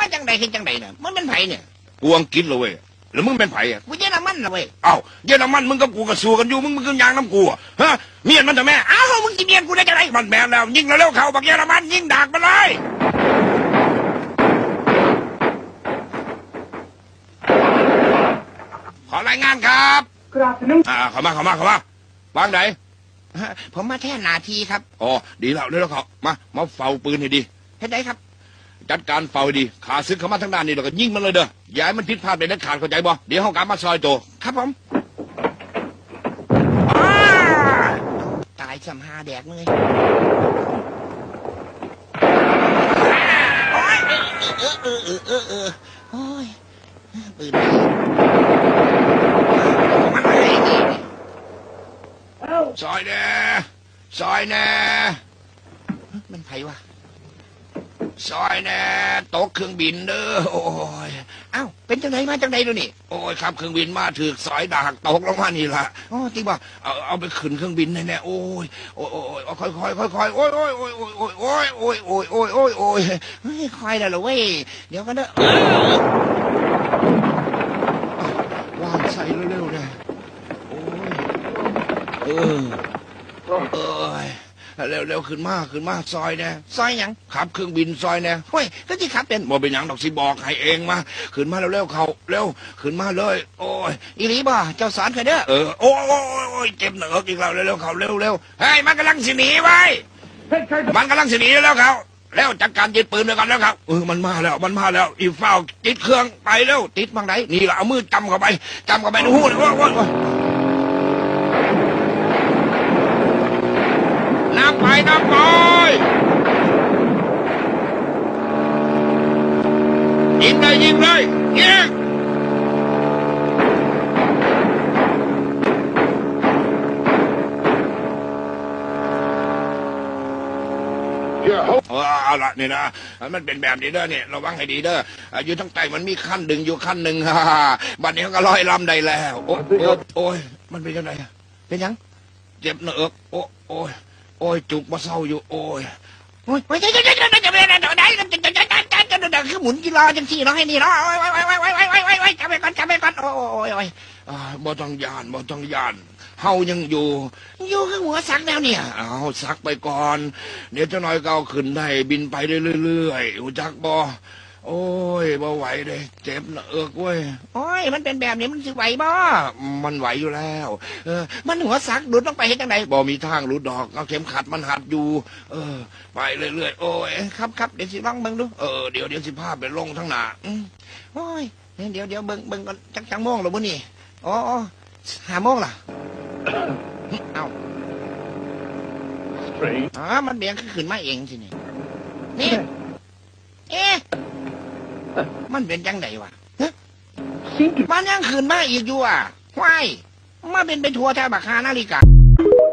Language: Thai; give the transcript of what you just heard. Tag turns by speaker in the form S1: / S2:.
S1: จังใดเห็นจังใดเนี่ยมันเป็นไผเนี่ย
S2: กูอังกฤษเลยเว้ยแล้วมึงเป็นไผอ่ะ
S1: กูเยอรมันละเว้ย
S2: เอ้าเยอรมันมึงกับกูก็สู้กันอยู่มึงก็ยางน้ำกูฮะเมียนมันทำไม
S1: อ้าวมึงจะเมียนกูได้จังได
S2: มันแมนแล้วยิงแล้วเขาบักเยอรมันยิงดากมันเลยขอรายงานครับเข้ามาวางไหน
S1: ผมมาแท่นาทีครับ
S2: อ๋อดีแล้วเร็วเขามาเฝ้าปืนให้ดี
S1: เฮ็ดได้ครับ
S2: จัดการเฝ้าดีขาซึกเข้ามาทางด้านนี้แล้วก็ยิงมันเลยเด้ออย่าให้มันผิดพลาดไปเด็ดขาดเข้าใจบ่เดี๋ยวห้องการมาซอยโต
S1: ครับผมตายซ้ำหาแดกเลยโอ้ยโอ้ยปืนมันอะไรนี่
S2: ซอยแน่
S1: มันไผวะ
S2: ซอยแน่ตกเครื่องบินเด้อโอ้ย
S1: อ้าวเป็นจังไดมาจังไดดูนี่
S2: โอ้ยครับเครื่องบินมาถือสอยดากตกลงมานี่ล่ะ
S1: อ๋อจริงป่ะ
S2: เอาไปขึ้นเครื่องบินแน่ๆโอ้ยค่อยโอ้ย
S1: ค่อยแล้วเหรอเว้ยเดี๋ยวกันเด้อ
S2: ว่างใส่เร็วๆเลยโอ้ยเร็วขึ้นมาซอยแน่
S1: ซอยหยัง
S2: ขับเครื่องบินซอยแน่
S1: เฮ้ยก็ที่ขับเป็น
S2: บ่เป็นหยังดอกสิบอกให้เองมาขึ้นมาเร็วเขาเร็วขึ้นมาเลยโอ้ย
S1: อีหลีบ่เจ้าสอนเคยเด้อ
S2: โอ้ยเจ็บเหนืออีกแล้วเร็วเขาเร็วเฮ้ยมันกำลังสิหนีไว้มันกำลังสิหนีแล้วเขาแล้วจัดการยึดปืนไปก่อนแล้วครับมันมาแล้วอีเฝ้าติดเครื่องไปเร็ว
S1: ติดบางไหน
S2: นี่แหละเอามือจำเข้าไปในหูเลยโอ้ยน้ำไปยิงเลยยิงเอาละนี่นะมันเป็นแบบนี้เด้อเนี่ยระวังให้ดีเด้ออยู่ทั้งใต้มันมีขั้นดึงอยู่ขั้นหนึ่งบัดนี้ก็ลอยลำได้แล้วโอ้ยมันเป็นยังไง
S1: เป็นยัง
S2: เจ็บเนื้อโอ้ยจุกมาเศร้าอยู่โอ้ย
S1: คือหมุนกีฬาจังสี่เนาะให้นี่เนาะจับไปก่อนโอ้ย
S2: บ่ต้องยานเฮายังอยู่
S1: ข้างหัวสักแล้วเนี่ย
S2: เอาสักไปก่อนเดี๋ยวจะน้อยเก่าขึ้นได้บินไปเรื่อยๆรู้จักบ่โอ้ยบ่ไหวเลยเจ็บเนื้อเว้ย
S1: โอ้ยมันเป็นแบบนี้มันสิไหวบ่
S2: มันไหวอยู่แล้ว
S1: มันหัวสักดุดต้องไปเฮ็ดจังได
S2: บ่มีทางหลุดดอกเอาเข็มขัดมันหัดอยู่ไปเรื่อยๆโอ้ย
S1: ครับเดี๋ยวสิลองเบิ่งดู
S2: เดี๋ยวสิพาไปลงทั้งหน้า
S1: โอ้ยเดี๋ยวเบิ่งก่อนจังโมงหรือบ่นี่อ๋อ5 โมงล่ะเอามันเบี่ยงขึ้นมาเองสินี่มันเป็นจังไดวะมันยังขึ้นมาอีกอยู่อ่ะว้ายมาเป็นไปทัวร์แถวบักฮานาฬิกา